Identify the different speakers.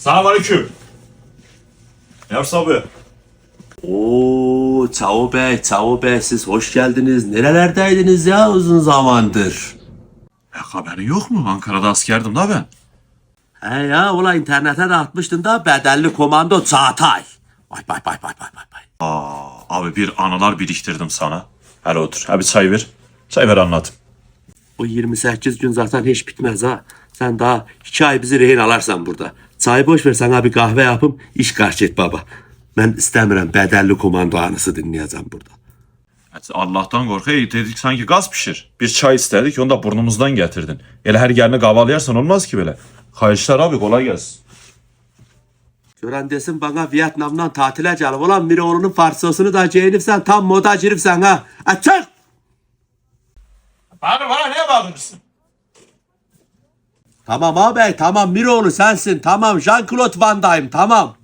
Speaker 1: Selamünaleyküm. Yavuz abi.
Speaker 2: Oo, Çavo Bey siz hoş geldiniz. Nerelerdeydiniz ya uzun zamandır?
Speaker 1: Haberin yok mu? Ankara'da askerdim da ben.
Speaker 2: He ya ulan internete de atmıştın da bedelli komando Çağatay. Vay.
Speaker 1: Abi bir anılar biriktirdim sana. Hele otur. Abi çay ver. Çay ver anlat.
Speaker 2: O 28 gün zaten hiç bitmez ha. Sen daha 2 ay bizi rehin alarsan burada. Çay boş ver sana bir kahve yapım iş karşı et baba. Ben istemiyorum bedelli komando anısı dinleyeceğim burada.
Speaker 1: Allah'tan korkayım dedik sanki gaz pişir. Bir çay istedik onu da burnumuzdan getirdin. Hele her gelene kahvaltı olmaz ki böyle. Hayırlı abi kolay gelsin.
Speaker 2: Gören desin bana Vietnam'dan tatile gelip olan Miroğlu'nun farsosunu da giyinipsen tam moda giripsen ha. Açık!
Speaker 1: Bana niye bağırırsın?
Speaker 2: Tamam ağabey tamam Miroğlu sensin tamam Jean-Claude Van Damme tamam.